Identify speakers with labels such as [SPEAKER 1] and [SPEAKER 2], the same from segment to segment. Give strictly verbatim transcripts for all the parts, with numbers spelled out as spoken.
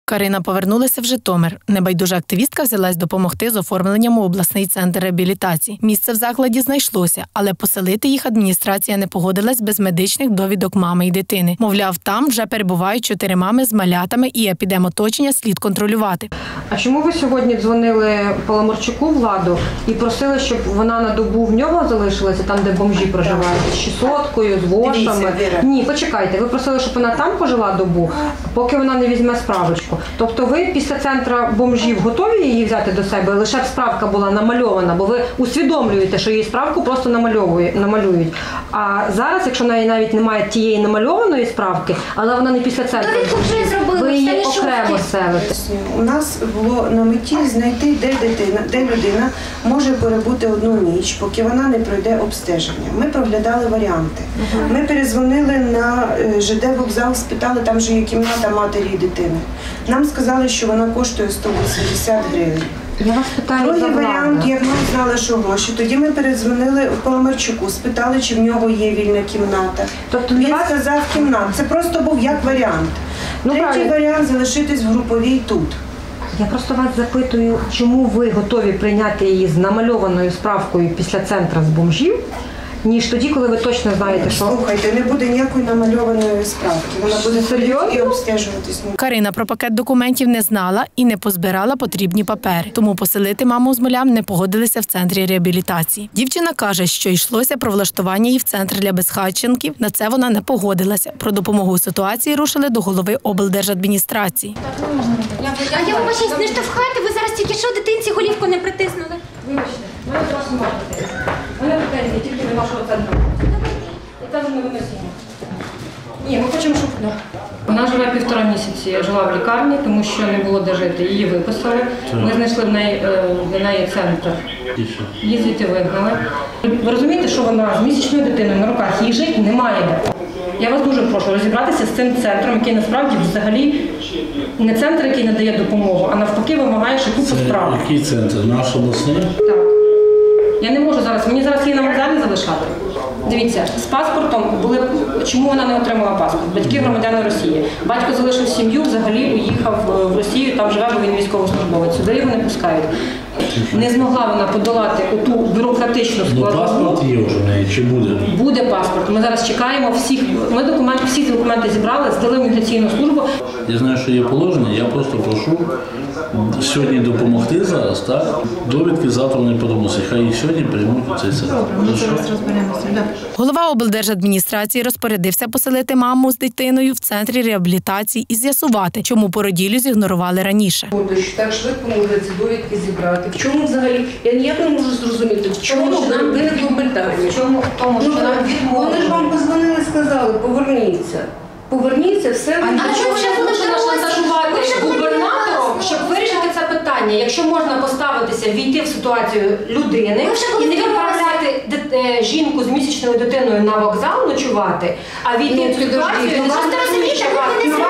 [SPEAKER 1] Карина повернулася в Житомир. Небайдужа активістка взялась допомогти з оформленням у обласний центр реабілітації. Місце в закладі знайшлося, але поселити їх адміністрація не погодилась без медичних довідок мами і дитини. Мовляв, там вже перебувають чотири мами з малятами і епідемоточення слід контролювати.
[SPEAKER 2] А чому ви сьогодні дзвонили Паламарчуку Владу і просили, щоб вона на добу в нього залишилася, там, де бомжі проживають, з чесоткою, з вошами? Ні, почекайте, ви просили, щоб вона там пожила добу, поки вона не візьме справочку. Тобто ви після центру бомжів готові її взяти до себе, лише б справка була намальована, бо ви усвідомлюєте, що її справку просто намалюють. А зараз, якщо в неї навіть немає тієї намальованої справки, але вона не після центру бомжів, ви її окремо селите.
[SPEAKER 3] У нас було на меті знайти, де дитина, де людина може перебути одну ніч, поки вона не пройде обстеження. Ми проглядали варіанти. Ми перезвонили на ЖД вокзал, спитали, там же є кімната матері і дитини. Нам сказали, що вона коштує сто вісімдесят гривень.
[SPEAKER 2] Я вас питаю
[SPEAKER 3] Другий
[SPEAKER 2] за
[SPEAKER 3] варіант, як ми знали, що гроші. Тоді ми передзвонили в Паламарчуку, спитали, чи в нього є вільна кімната.
[SPEAKER 2] Тобто
[SPEAKER 3] він
[SPEAKER 2] вас...
[SPEAKER 3] сказав кімната. Це просто був як варіант.
[SPEAKER 2] Ну,
[SPEAKER 3] Третій
[SPEAKER 2] правильно.
[SPEAKER 3] варіант – залишитись в груповій тут.
[SPEAKER 2] Я просто вас запитую, чому ви готові прийняти її з намальованою справкою після центру з бомжів, ніж тоді, коли ви точно знаєте, що...
[SPEAKER 3] Слухайте, не буде ніякої намальованої справки. Вона буде ходити і обстежуватись.
[SPEAKER 1] Карина про пакет документів не знала і не позбирала потрібні папери. Тому поселити маму з малям не погодилися в центрі реабілітації. Дівчина каже, що йшлося про влаштування її в центр для безхатченків. На це вона не погодилася. Про допомогу у ситуації рушили до голови облдержадміністрації.
[SPEAKER 4] А я вибачаюсь, не штовхайте, ви зараз тільки що дитинці голівку не притиснули.
[SPEAKER 2] Вибачте, ми одразу можете. Вони претензії тільки до вашого центру. І це вже не виносимо. Ні, ми хочемо, щоб... Вона живе півтора місяці, жила в лікарні, тому що не було де жити. Її виписали. Ми знайшли в неї, в неї центр. Її звідти вигнали. Ви розумієте, що вона з місячною дитиною на руках, їй жити немає де. Я вас дуже прошу розібратися з цим центром, який насправді взагалі не центр, який надає допомогу, а навпаки вимагає ще купу справ.
[SPEAKER 5] Який центр? Наш обласний?
[SPEAKER 2] Так. Я не можу зараз, мені зараз її на вокзалі залишати. Дивіться, з паспортом були, чому вона не отримала паспорт? Батьки громадяни Росії. Батько залишив сім'ю, взагалі уїхав в Росію, там живе, бо він військовослужбовець. Сюди його не пускають. Не змогла вона подолати оту бюрократичну складову.
[SPEAKER 5] Ну, паспорт є вже в неї, чи буде?
[SPEAKER 2] Буде паспорт. Ми зараз чекаємо всіх, ми документи, всі документи зібрали, здали в міграційну службу.
[SPEAKER 5] Я знаю, що є положення, я просто прошу сьогодні допомогти зараз, так? Довідки завтра не подумався, хай їх сьогодні приймуть у цей центр.
[SPEAKER 3] Ми зараз розберемося, так.
[SPEAKER 1] Голова облдержадміністрації розпорядився поселити маму з дитиною в центрі реабілітації і з'ясувати, чому породіллю зігнорували раніше.
[SPEAKER 6] Так швидко могли ці довідки зібрати. В чому взагалі? Я ніяк не можу зрозуміти, в чому ж нам виникло питання.
[SPEAKER 2] В чому? В тому, що нам відмовили.
[SPEAKER 6] Вони ж вам позвонили і сказали, поверніться. Поверніться, все.
[SPEAKER 4] А чому вже були
[SPEAKER 2] шантажувати губернатором, щоб вирішити це питання? Якщо можна поставитися, війти в ситуацію людини і не відправляти дит- жінку з місячною дитиною на вокзал ночувати, а війти в цю ситуацію і не
[SPEAKER 4] розумієте, ви не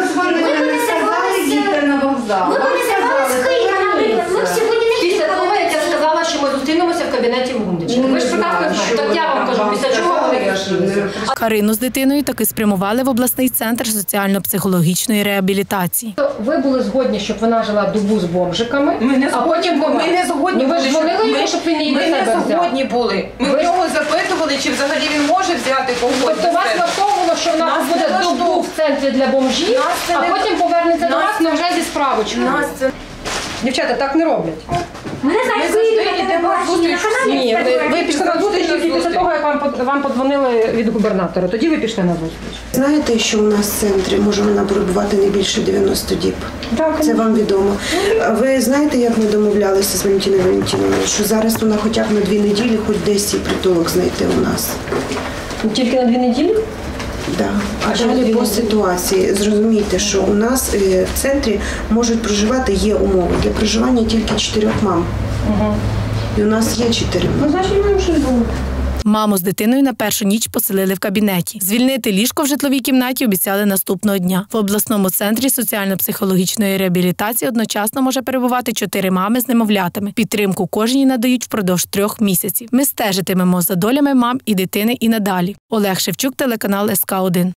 [SPEAKER 6] Ви не сказали, їдьте на вокзал.
[SPEAKER 4] Ми б не зірвали з Києва, наприклад. Ми б сьогодні не
[SPEAKER 2] Після того, як я сказала, що ми зустрінемося в кабінеті в Гундичі. Ви ж прекрасно знаєте. Так я вам кажу, після чого вони зустрілися.
[SPEAKER 1] Карину з дитиною таки спрямували в обласний центр соціально-психологічної реабілітації.
[SPEAKER 2] Ви були згодні, щоб вона жила добу з бомжиками,
[SPEAKER 7] Ми не
[SPEAKER 2] а потім
[SPEAKER 7] згодні,
[SPEAKER 2] вона...
[SPEAKER 7] ми не згодні
[SPEAKER 2] ну, ви ж
[SPEAKER 7] були,
[SPEAKER 2] дзвонили
[SPEAKER 7] ми-
[SPEAKER 2] йому, щоб він її до
[SPEAKER 7] Ми
[SPEAKER 2] себе
[SPEAKER 7] не
[SPEAKER 2] взяв.
[SPEAKER 7] згодні були. Ми
[SPEAKER 2] Ви
[SPEAKER 7] в
[SPEAKER 2] ж-
[SPEAKER 7] нього запитували, чи взагалі він може взяти когось.
[SPEAKER 2] Тобто
[SPEAKER 7] до
[SPEAKER 2] вас
[SPEAKER 7] себе.
[SPEAKER 2] влаштовувало, що вона
[SPEAKER 7] Нас
[SPEAKER 2] буде
[SPEAKER 7] не
[SPEAKER 2] добу
[SPEAKER 7] влаштовувало.
[SPEAKER 2] в центрі для бомжів,
[SPEAKER 7] Нас це
[SPEAKER 2] а
[SPEAKER 7] не-
[SPEAKER 2] потім повернеться до
[SPEAKER 7] Нас
[SPEAKER 2] вас, але вже зі справочкою.
[SPEAKER 7] Нас це...
[SPEAKER 2] Дівчата, так не роблять.
[SPEAKER 4] Ми не
[SPEAKER 7] Ми
[SPEAKER 4] знаємо,
[SPEAKER 7] завжди йдемо на зустріч.
[SPEAKER 2] Ні, ви, ви пішли на зустріч тільки після того, як вам, под- вам подзвонили від губернатора. Тоді ви пішли на зустріч.
[SPEAKER 3] Знаєте, що у нас в центрі може вона перебувати не більше дев'яноста діб?
[SPEAKER 2] Так,
[SPEAKER 3] Це вам відомо. А ви знаєте, як ми домовлялися з Валентиною Валентиновною, що зараз вона хоча б на дві неділі хоч десь їй притулок знайти у нас?
[SPEAKER 2] Тільки на дві неділі?
[SPEAKER 3] Да. А далі по ситуації зрозумійте, що у нас е, в центрі можуть проживати, є умови для проживання тільки чотирьох мам.
[SPEAKER 2] Угу.
[SPEAKER 3] І у нас є чотири мами.
[SPEAKER 2] Ну, значить, маємо щось було.
[SPEAKER 1] Маму з дитиною на першу ніч поселили в кабінеті. Звільнити ліжко в житловій кімнаті обіцяли наступного дня. В обласному центрі соціально-психологічної реабілітації одночасно може перебувати чотири мами з немовлятами. Підтримку кожній надають впродовж трьох місяців. Ми стежитимемо за долями мам і дитини і надалі. Олег Шевчук, телеканал ес ка один.